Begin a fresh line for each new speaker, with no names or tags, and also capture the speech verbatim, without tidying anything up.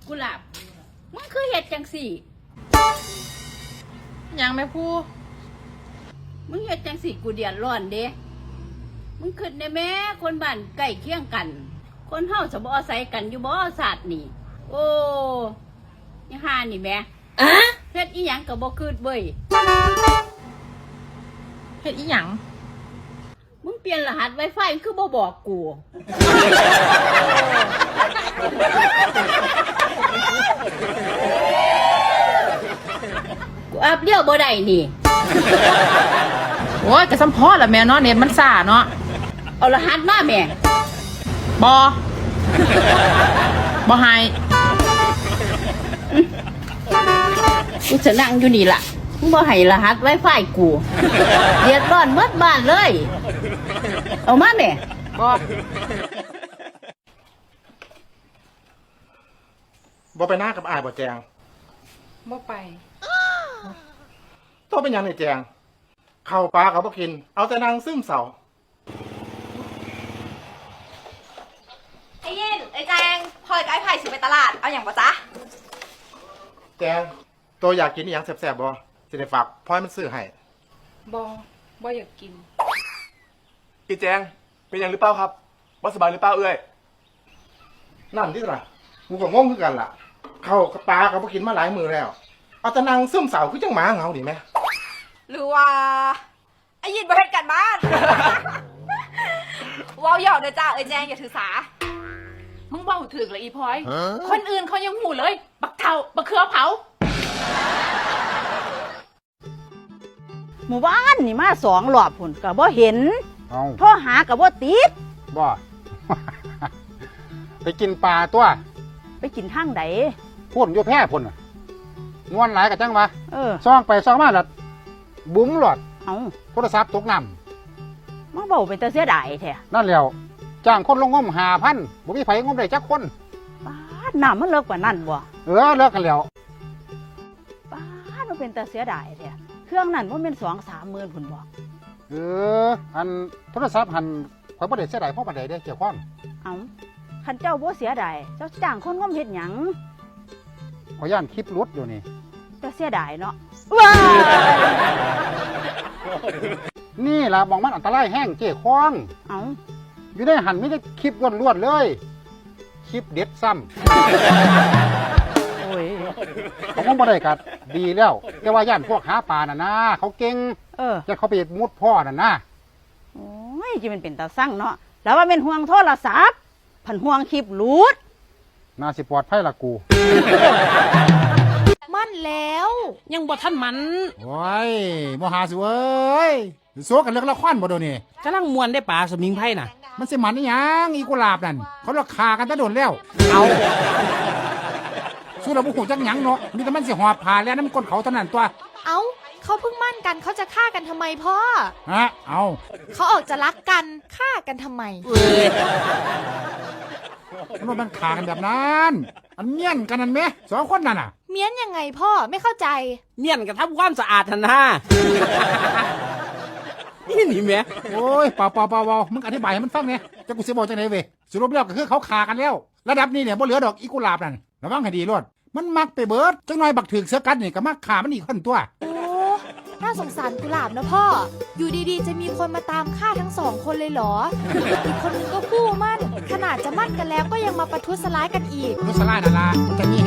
กุหลาบมึงคือเห็ดจังสี่
ยังไม่พูด
มึงเห็ดจังสี่กูเดือดร้อนเด้มึงขึ้นได้แม่คนบ้านใกล้เคียงกันคนเฮาจะบ่อาศัยกันอยู่บ่ศาสตร์นี่โอ้ยห่านี่แม่อะเฮ็ดอีหยังก็บ่คืดเว้ย
เฮ็ดอีหยัง
มึงเปลี่ยนรหัส Wi-Fi คือบ่บอกกูกูอัพเลี้ยวบ่ได้นี่
โอ้ยกระซ้ำพอละแม่เนาะเน็ตมันซ่าเนาะ
เอารหัสมาแม่
บอ บอให้
กูจะนั่งอยู่นี่ล่ะมึงบ่ให้รหัส Wi-Fi กูเดือดร้อนหมดบ้านเลยเอามาแม่
บอ
บ่ไปหน้ากับอ้ายบ่แจง
บ่ไป
ต้องเป็นหยังนี่แจงข้าวปลาเขาบ่กินเอาแต่นางซึมเศร้า
ไอ้ยินไอ้แจงพลอยกับไอ้ไผ่สิไปตลาดเอาอย่างปะจ๊ะ
แจงตัวอยากกินอหยังแซ่บๆบ่สิได้ฝากพลอยมันซื้อให้
บอบออยากกิน
อีแจงเป็นยังหรือเปล่าครับบ่สบายหรือเปล่าเอ้ย
นั่นที่ล่ะกูก็งงคือกันล่ะข้าวกับปลาเขาบ่กินมาหลายมื้อแล้วเอาแต่นางซึมเศร้าคือจังหมาเหงาดิแม่
หรือว่าไอ้ยินบ่เฮ็ดกันบ้านว้าวหยอกเด้อจ้าไอ้แจงอย่าถือสา
มึงเบาถึกเลยอีพลอยคนอื่นเขายังหูเลยบักเทาบักเขือเผา
หมู่บ้านนี่มาสองรอบพุ่นก็บ่เห็นโทรหาก็บ่ติด
บ่ ไปกินปลาตัว
ไปกินทางใด
พุ่นอยู่แพร่พุ่นน่ะงวนหลายกะจังวะ
เออ
ซ่องไปซ่องมาแล้วบุ๋มหลอด
เอ้า
โทรศัพท์ตกน้ำ
มาเว้าเป็นตาเสียดายแท้
นั่นแล้วจ้างคนลงงม ห้าพัน บ่มีไผงมได้จักคน
ป๊าดน้ำมันเลิกกว่านั้นบ่
เออเลิกกันแล้ว
ป๊าดมันเป็นตาเสียดายแท้เครื่องนั้นบ่แม่น สองสามหมื่นพุ่นบ่
เอออันโทรศัพท์หันข่อยบ่ได้เสียดายเพราะปานใดเด้เกี่ยวข้อง
เอ้าคันเจ้าบ่เสียดายเจ้าจ้างคนงมเฮ็ดหยัง
ข่อยย่านคลิปหลุดอยู่นี่
แต่เสียดายเนาะว้า
นี่ล่ะมองมันอันตรายแห้งเจ้ข้อง
เอ้า
อยู่ในหันมีแต่คลิปล้วนๆเลยคลิปเด็ดซ้
ำโอ้ย
เขาคงบ่ได้กัดดีแล้วแต่ว่าย่านพวกหาปลาน่ะนะเขาเก่ง
เออ
จะเขาไปมุดพ่อน่ะนะ
โอ้ยจิมันเป็นตาสั่งเนาะแล้วว่าเป็นห่วงโทรศัพท์ผันห่วงคลิปหลุด
น่าสิปลอดภัยล่ะกู
มั่นแล้ว
ยังบ่ทันมัน
โอ้ยบ่หาสิเว้ยโซกันเรื่องละครบ่โดนี่
กำลังมวนได้ป่าสมิงไพ่น่ะ
มันสิมันอีหยังอีกุหลาบนั่นเขาราคากันตะโดนแล้ว
เอา
สู้เราบ่ฮู้จักหยังเนาะมีแต่มันสิหอบผ่าแล้วนำก้นเขาเท่านั้นตัว
เอ้าเขาเพิ่งมั่นกันเขาจะฆ่ากันทำไมพ่อ
ฮะเอา
เขาออกจะรักกันฆ่ากันทำไม
มันมันฆ่ากันแบบนั้นอันเมียนกันนั่นแหมสองคนนั่นน่ะ
เมียนยังไงพ่อไม่เข้าใจ
เมียนกันทำความสะอาดหั่นนะนี่นี่แม่
โอ้ยเปล่าเปล่าเปล่ามึงอธิบายให้มันฟังเนี่ยจะกูสิบอกจังไหนเว้ยสรุปแล้วก็คือเขาฆ่ากันแล้วระดับนี้เนี่ยบ่เหลือดอกอีกุหลาบนั่นระวังให้ดีรอดมันมักไปเบิดจังหน่อยบักถึกเสือกัดนี่ก็มักฆ่ามันอีกคนตัว
โอ้น่าสงสารกุหลาบนะพ่ออยู่ดีๆจะมีคนมาตามฆ่าทั้งสองคนเลยเหรออีกคนนึงก็กู้มั่นขนาดจะมั่นกันแล้วก็ยังมาประทุษร้ายกันอีก
ประทุษร้ายนั่นล่ะมันจะมี